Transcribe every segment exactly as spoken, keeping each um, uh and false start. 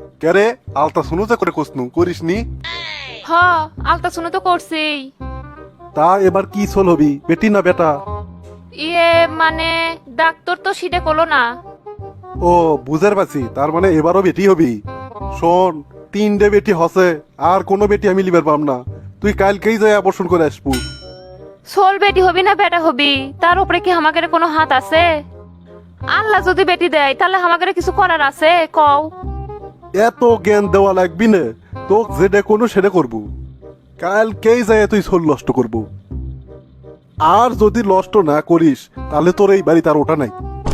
কে রে, আলতা শুনো যে করে কোসনু করিস নি? হ আলতা শুনে তো করছি। তা এবার কি সোল হবি, বেটি না বেটা? ইয়ে মানে ডাক্তার তো সিটে করলো না। ও বুঝার পারছি, তার মানে এবারও বেটি হবি। শোন, তিনটে বেটি হসে, আর কোনো বেটি আমি লিবার পাম না। তুই কালকেই যাই অপারেশন করে আসবো। সোল বেটি হবি না বেটা হবি তার উপরে কি আমাদের কোনো হাত আছে? আল্লাহ যদি বেটি দেয় তাহলে আমাদের কিছু করার আছে কও? এত জ্ঞান দেওয়া লাগবি না, তোক যেটা কোনো সেটা করবো। কালকেই যাই তুই সোল নষ্ট করবো। আর যদি নষ্ট না করিস তাহলে তোর এই বাড়ি তার ওটা নাই।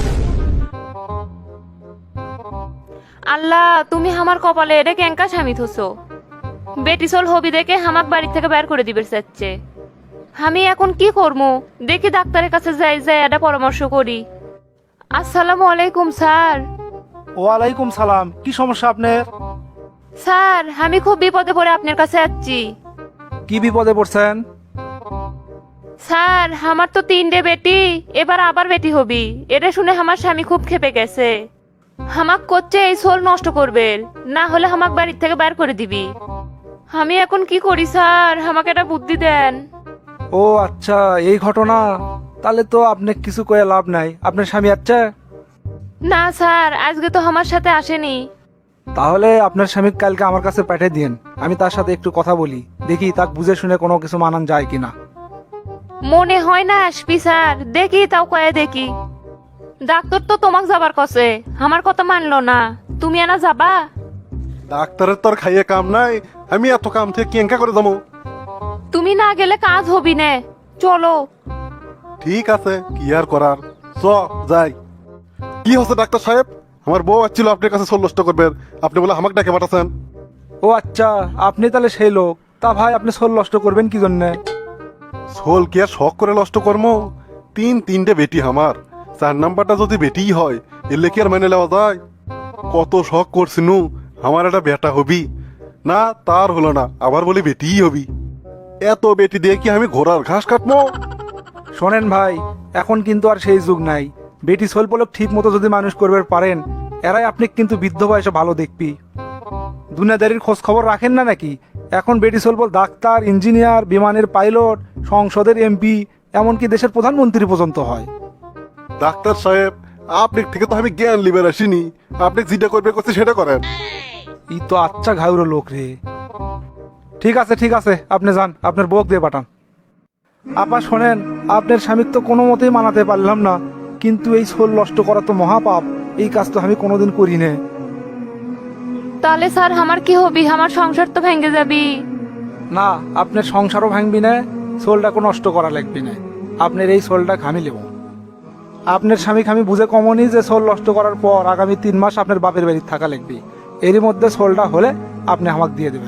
আল্লাহ তুমি আমার কপালে এটা কেঙ্কা স্বামী থসো। বেটি সোল হবি দেখে হামাক বাড়ি থেকে বের করে দিবে চাচ্ছে। আমি এখন কি করবো? দেখি ডাক্তারের কাছে যাই যাই এটা পরামর্শ করি। আসসালামু আলাইকুম স্যার। ওয়ালাইকুম সালাম। কি সমস্যা আপনার? স্যার আমি খুব বিপদে পড়ে আপনার কাছে যাচ্ছি। কি বিপদে পড়ছেন? স্যার আমার তো তিনটে বেটি, এবার আবার বেটি হবি। এটা শুনে আমার স্বামী খুব ক্ষেপে গেছে। হামাক করছে এই সোল নষ্ট করবে, না হলে হামাক বাড়ির থেকে বের করে দিবি। আমি এখন কি করি স্যার, আমাকে একটা বুদ্ধি দেন। ও আচ্ছা, এই ঘটনা। তাহলে তো আপনি কিছু কয়ে লাভ নাই। আপনার স্বামী আছে? না স্যার আজকে তো আমার সাথে আসেনি। তাহলে আপনার স্বামী কালকে আমার কাছে পাঠিয়ে দিন, আমি তার সাথে একটু কথা বলি, দেখি তাক বুঝে শুনে কোনো কিছু মানান যায় কিনা। মনে হয় না আসবি স্যার, দেখি তাও কয়ে দেখি। ডাক্তার তো তোমাক যাবার কছে, আমার কথা মানলো না। তুমি এনা যাবা? ডাক্তারের তোর খাইয়ে কাম নাই, আমি এত কাম থেকে কেঙ্কা করে যাবো? তুমি না গেলে কাজ হবি না, চলো। ঠিক আছে, কি আর করার, চ যাই। কি হচ্ছে ডাক্তার সাহেব? আমার বউ আসছিল আপনার কাছে সোল নষ্ট করবেন, আপনি বলে আমাকে ডাকে পাঠাচ্ছেন। ও আচ্ছা, আপনি তাহলে সেই লোক। তা ভাই আপনি সোল নষ্ট করবেন কি জন্যে? সোল কি আর শখ করে নষ্ট কর্ম? তিন তিনটে বেটি আমার, চার নাম্বারটা যদি বেটিই হয় এলে কি আর মেনে নেওয়া যায়? কত শখ করছিনু আমার একটা বেটা হবি, না তার হলো না, আবার বলি বেটিই হবি। এত বেটি দিয়ে কি আমি ঘোড়ার ঘাস কাটবো? শোনেন ভাই, এখন কিন্তু আর সেই যুগ নাই। বেটি সোল পলক ঠিক মতো যদি মানুষ করবে পারেন, এরাই আপনি কিন্তু বৃদ্ধ বয়সে ভালো দেখবি। দুনিয়াদারির খোঁজ খবর রাখেন না নাকি? এখন বেটি সোল বল ডাক্তার, ইঞ্জিনিয়ার, বিমানের পাইলট, সংসদের এমপি, এমনকি দেশের প্রধানমন্ত্রী পর্যন্ত হয়। ডাক্তার সাহেব, আপনার থেকে তো আমি জ্ঞান লিবার আসিনি, আপনি যেটা করবে করছে সেটা করেন। ই তো আচ্ছা ঘাউরো লোক রে। ঠিক আছে ঠিক আছে, আপনি যান, আপনার বউক দিয়ে পাঠান। আপা শোনেন, আপনার স্বামীর তো কোনো মতেই মানাতে পারলাম না, কিন্তু এই সোল নষ্ট করা তো মহাপাপ। এই কাজ তো আমি কোনোদিন করি না। তাহলে স্যার আমার কি হবি? আমার সংসার তো ভেঙে যাবি। না, আপনার সংসারও ভাঙবি না, সোলটাকে নষ্ট করা লাগবে না। আপনার এই সোলটা খামি নেব। আপনার স্বামীকে আমি বুঝে কমনি যে সোল নষ্ট করার পর আগামী তিন মাস আপনার বাপের বাড়ি থাকা লাগবে। এরই মধ্যে সোলটা হলে আপনি আমাকে দিয়ে দেবেন।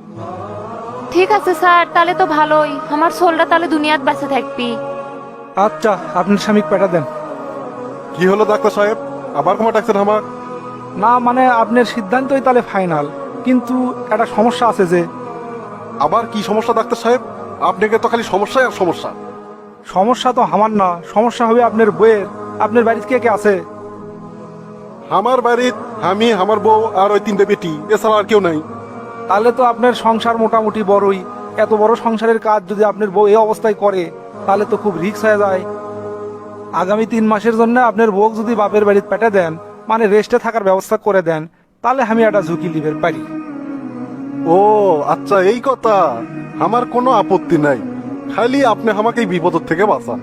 ঠিক আছে স্যার, তাহলে তো ভালোই, আমার সোলটা তাহলে দুনিয়াত বেঁচে থাকবি। আচ্ছা, আপনার স্বামীকে পাঠা দেন। কি হলো ডাক্তার সাহেব, আবার ক্ষমা ডাকছেন আমার? না মানে আপনার সিদ্ধান্তই তাহলে ফাইনাল, কিন্তু একটা সমস্যা আছে যে। আবার কি সমস্যা ডাক্তার সাহেব? আপনাকে তো খালি সমস্যাই আর সমস্যা। সমস্যা তো আমার না, সমস্যা হবে আপনার বইয়ের। আপনার বাড়িতে কে কে আছে? আমার বাড়ির আমি, আমার বউ আর ওই তিনটে বেটি, এছাড়া আর কেউ নাই। তাহলে তো আপনার সংসার মোটামুটি বড়ই। এত বড় সংসারের কাজ যদি আপনার বউ এই অবস্থায় করে, তাহলে তো খুব রিস্ক হয়ে যায়। আগামী তিন মাসের জন্য আপনার বউ যদি বাপের বাড়িতে পেটে দেন, মানে রেস্টে থাকার ব্যবস্থা করে দেন, তাহলে আমি একটা ঝুঁকি নিতে পারি। ও আচ্ছা, এই কথা। আমার কোনো আপত্তি নাই, খালি আপনি আমাকে এই বিপদ থেকে বাঁচান।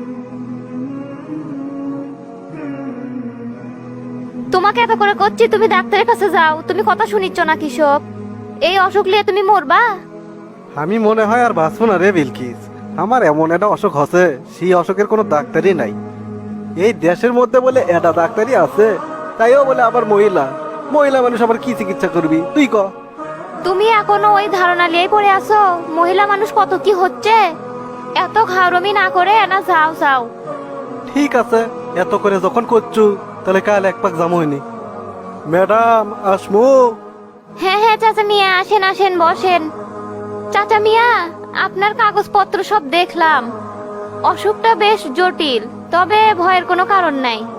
তোমাকে এত করে করছি, তুমি ডাক্তারের কাছে যাও। তুমি কথা শুনিচ্ছ না কি সব? এই অসুখ নিয়ে তুমি মরবা? আমি মনে হয় আর বাঁচবো না রে বিলকিস। আমার এমন একটা অসুখ হচ্ছে, সেই অসুখের কোনো ডাক্তারই নাই। এই দেশের মধ্যে বলে এটা ডাক্তারই আছে, তাইও বলে আবার মহিলা। মহিলা মানুষ আবার কি চিকিৎসা করবি তুই ক? তুমি এখনো ওই ধারণা নিয়েই পড়ে আছো মহিলা মানুষ কত কি হচ্ছে। এত ঘাড়মি না করে না, যাও যাও। ঠিক আছে, এত করে যখন করছু তাহলে কাল এক পাক জামো হয়নি। ম্যাডাম আসমু? হ্যাঁ হ্যাঁ চাচা মিয়া, আসেন আসেন বসেন। চাচা মিয়া, আপনার কাগজপত্র সব দেখলাম। অসুখটা বেশ জটিল, তবে ভয়ের কোনো কারণ নাই।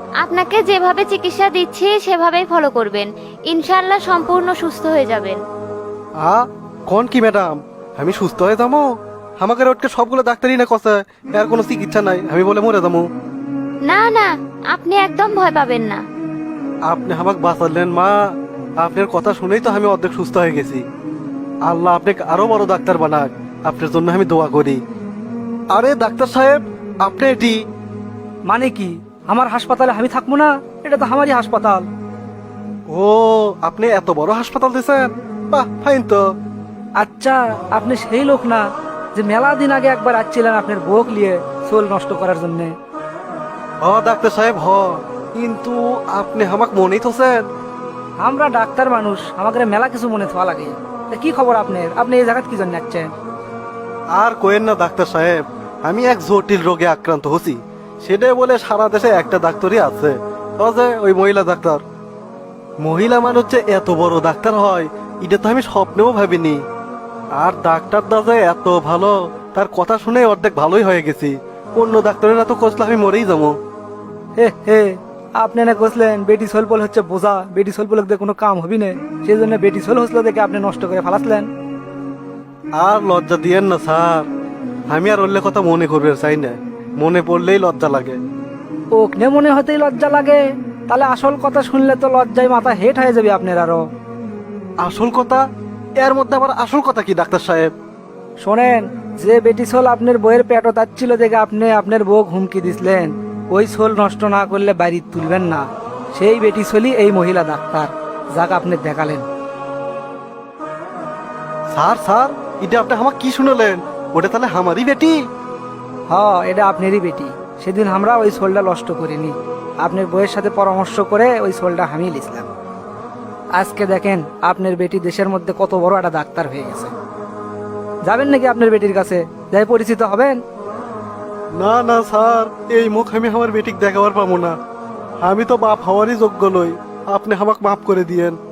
আপনাকে যেভাবে চিকিৎসা দিচ্ছি সেভাবেই ফলো করবেন, ইনশাআল্লাহ সম্পূর্ণ সুস্থ হয়ে যাবেন। আ কোন কি ম্যাডাম, আমি সুস্থ হয়ে যাবো? আমাকে ওটকে সবগুলো ডাক্তারই না কষে, এর কোনো চিকিৎসা নাই, আমি বলে মরে যাবো? না না, আপনি একদম ভয় পাবেন না। আপনি আমাকে বাঁচালেন মা, আপনার কথা শুনেই তো আমি অর্ধেক সুস্থ হয়ে গেছি। আল্লাহ আপনাকে আরো বড় ডাক্তার বানাক, আপনার জন্য আমি দোয়া করি। আরে ডাক্তার সাহেব, আপনি এটি? মানে কি, আমার হাসপাতালে আমি থাকবো না? এটা তো আমারই হাসপাতাল। ও, আপনি এত বড় হাসপাতাল দিয়েছেন? বাহ, ফাইন তো। আচ্ছা, আপনি সেই লোক না যে মেলা দিন আগে একবার আসছিলেন আপনার বউক নিয়ে চুল নষ্ট করার জন্য? হ ডাক্তার সাহেব হ, কিন্তু আপনি আমাকে মনেই তোছেন। আমরা ডাক্তার মানুষ, আমাদের মেলা কিছু মনে থাকা লাগে। তা কি খবর আপনার? আপনি এই জায়গায় কি জন্য যাচ্ছেন? আর কোয়েন না ডাক্তার সাহেব, আমি এক জটিল রোগে আক্রান্ত হচ্ছি। সেটাই বলে সারা দেশে একটা ডাক্তারই আছে, ও যে ওই মহিলা ডাক্তার। মহিলা মানুষ যে এত বড় ডাক্তার হয় এটা তো আমি স্বপ্নেও ভাবিনি। আর ডাক্তারটা যে এত ভালো, তার কথা শুনে অর্ধেক ভালোই হয়ে গেছি। অন্য ডাক্তারেরা তো কষলে আমি মরেই যাবো। হে হে, আপনি না কইছিলেন বেটি সোলপল হচ্ছে বোঝা, বেটি সোলপল দিয়ে কোনো কাম হবি না, সেই জন্য বেটি সোল হসলো দেখে আপনি নষ্ট করে ফেলাসলেন। আর লজ্জা দিয়েন না স্যার, আমি আর অন্য কথা মনে করবে চাই না, মনে পড়লেই লজ্জা লাগে। ওকনে মনে হতেই লজ্জা লাগে? তাহলে আসল কথা শুনলে তো লজ্জায় মাথা হেট হয়ে যাবে আপনার আরো। আসল কথা? এর মধ্যে আবার আসল কথা কি ডাক্তার সাহেব? শোনেন, যে বেটি সোল আপনার বইয়ের পেটও তাচ্ছিল দেখে আপনি আপনার বউ হুমকি দিছিলেন ওই সোল নষ্ট না করলে বাড়ি তুলবেন না, সেই বেটি সোলই এই মহিলা ডাক্তার যাকে আপনি দেখালেন। স্যার স্যার, এটা আপনি আমাকে কি শুনলেন? ওটা তাহলে আমারই বেটি? হ, এটা আপনারই বেটি। সেদিন আমরা ওই সোলটা নষ্ট করিনি, আপনার বইয়ের সাথে পরামর্শ করে ওই সোলটা হামিয়ে নিয়েছিলাম। আজকে দেখেন আপনার বেটি দেশের মধ্যে কত বড় একটা ডাক্তার হয়ে গেছে। যাবেন নাকি আপনার বেটির কাছে, যাই পরিচিত হবেন? না না স্যার, এই মুখ আমি আমার বেটিক দেখাবার পাবো না। আমি তো বাপ হওয়ারই যোগ্য নই, আপনি আমাকে মাফ করে দিয়েন।